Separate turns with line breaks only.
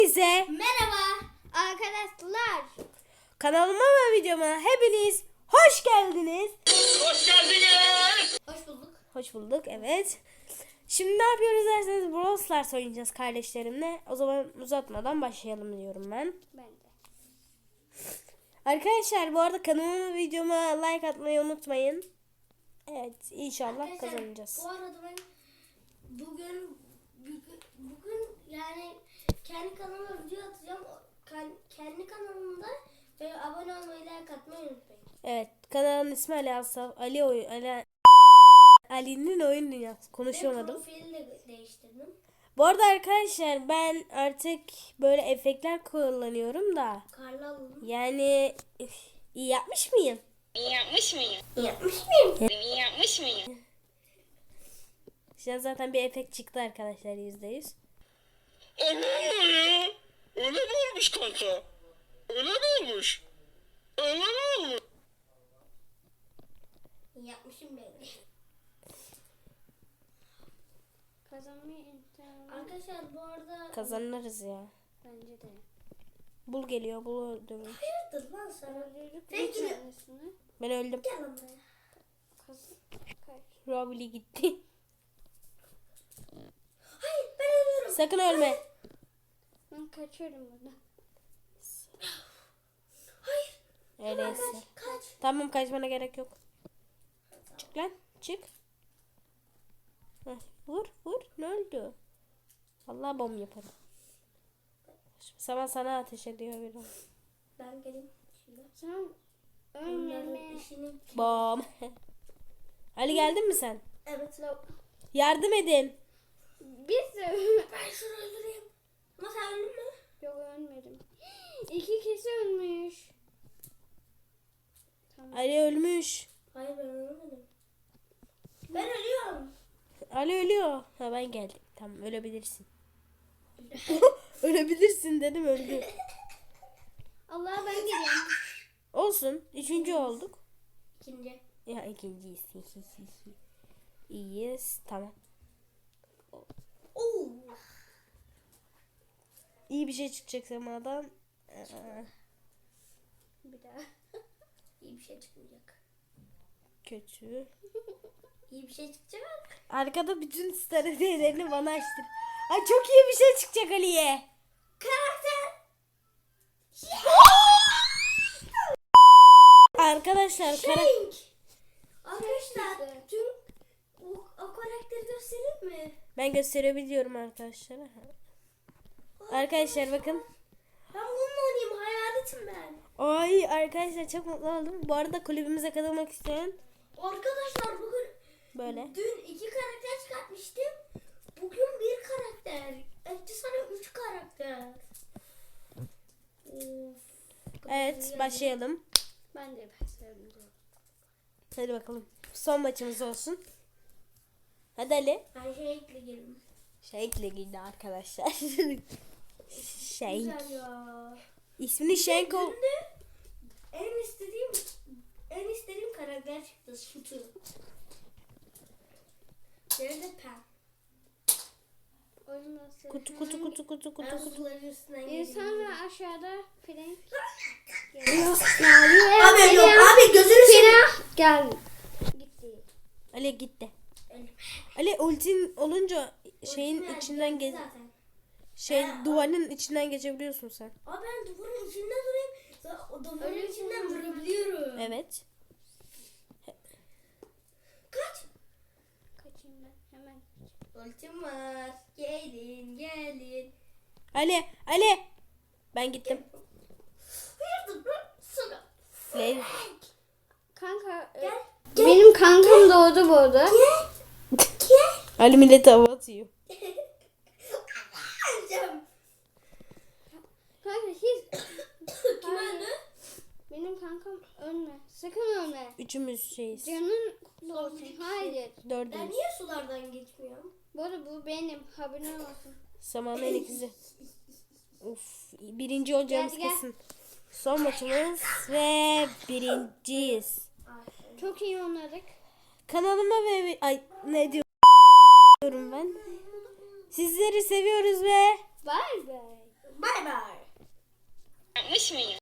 Size
merhaba arkadaşlar.
kanalıma ve videoma hepiniz hoş geldiniz.
Hoş geldiniz.
Hoş bulduk.
Hoş bulduk, evet. Şimdi ne yapıyoruz derseniz Brawl Stars oynayacağız kardeşlerimle. O zaman uzatmadan başlayalım diyorum ben.
Ben de.
Arkadaşlar bu arada kanalıma ve videoma like atmayı unutmayın. Evet, inşallah kazanacağız.
Bu arada ben bugün yani kendi kanalıma video atacağım. Kendi kanalımda ve abone olmayı, like atmayı unutmayın.
Evet, kanalın ismi Ali Asaf. Ali'nin oyun dünyası. Konuşamadım.
Ve profili de değiştirdim.
Bu arada arkadaşlar ben artık böyle efektler kullanıyorum da.
Karlı alalım.
Yani iyi yapmış mıyım?
İyi yapmış mıyım?
Yapmış mıyım?
İyi yapmış mıyım?
Şu an zaten bir efekt çıktı arkadaşlar %100.
Allah Allah ya. Öyle mi olmuş kanka? Öyle mi olmuş? Öyle mi olmuş?
Yapmışım belli. Arkadaşlar bu arada
Kazanırız ya.
bence de.
Bul geliyor, bul öldürür.
Hayırdır lan sana? Peki.
Ben öldüm.
Gel lan buraya.
Robili gitti.
Hayır ben ölüyorum.
Sakın ölme.
Ben kaçıyorum buradan.
Öyleyse.
Kaç.
Tamam, kaçmana gerek yok. Çık lan, çık. Heh, vur. Ne öldü? Vallahi bom yaparım. Sana ateş ediyor bir o.
Ben geleyim şimdi.
Sen
Ölmeme işini.
Bom. Ali geldin mi sen?
Evet.
Yardım edin.
biz de
Ben şunu öldüreyim. Ama sen öldün mü?
yok ölmedim. İki kişi ölmüş.
Ali ölmüş.
Hayır ben ölmedim. Ben ölüyorum.
Ali ölüyor. Ha, ben geldim. Tamam, ölebilirsin. Ölebilirsin dedim, öldü.
Allah ben geliyorum.
Olsun. Üçüncü olduk.
İkinci.
Ya ikinciyiz. İyiyiz. Tamam.
Oo.
İyi bir şey çıkacak semadan.
Bir daha.
İyi bir şey çıkmayacak.
Kötü.
İyi bir şey çıkacak.
Arkada bütün stratejilerini bana açtır. Ay, çok iyi bir şey çıkacak Ali'ye.
Karakter.
Arkadaşlar
Shank. Arkadaşlar tüm o karakteri göstereyim mi?
ben gösterebiliyorum arkadaşlara. Arkadaşlar bakın.
Ben bununla oynayayım. Hayaletim ben.
Ay arkadaşlar, çok mutlu oldum. Bu arada kulübümüze katılmak isteyen
Arkadaşlar bugün
böyle.
dün 2 karakter çıkartmıştım. Bugün bir karakter. Etti sana 3 karakter. Of.
Evet, başlayalım.
Ben de başlayalım.
Hadi bakalım. Son maçımız olsun. Hadi Ali.
Ben Shank'le girdim.
Shank'le girdi arkadaşlar. Shank.
Güzel ya.
İsmini Shank ol.
Dün de en istediğim karakter çıktı. Sütü. Nerede Pam?
Oyun nasıl?
Kutu.
Ben suların üstünden
İnsan
girdim.
ve aşağıda Frank.
Abi yok abi gözünü seveyim.
Frank gel. Gitti.
Ali gitti. Ali ultin olunca şeyin
Ultim
içinden
geldi
geç.
zaten.
Duvarın içinden geçebiliyorsun sen.
Abi ben duvarın içinden durayım. O duvarın içinden vurabiliyorum.
Evet.
Kaç?
Kaçayım ben hemen.
Ultim var. Gelin.
Ali. Ben gittim.
Hayırdır lan sana?
Leyla.
Kanka
Gel.
benim kankam doğdu bu arada.
Gel.
Ali millete hava atıyor.
Alacağım.
Kanka hiç.
Kim öldü?
Benim kankam ölme. Sakın ölme.
Üçümüz şeyiz.
Canın kutlu olsun. Hayır.
Ben
Dördümüz.
niye sulardan geçmiyorum?
Bu arada bu benim. Haberin olsun.
Samanın en ikizi. Uf, birinci olacağımız
Gel.
kesin. Son maçımız ve birinciyiz.
Çok iyi oynadık.
Kanalıma ve ne diyorum ben? Sizleri seviyoruz ve
Bye bye.
Bay bay.
Yapmış mıyım?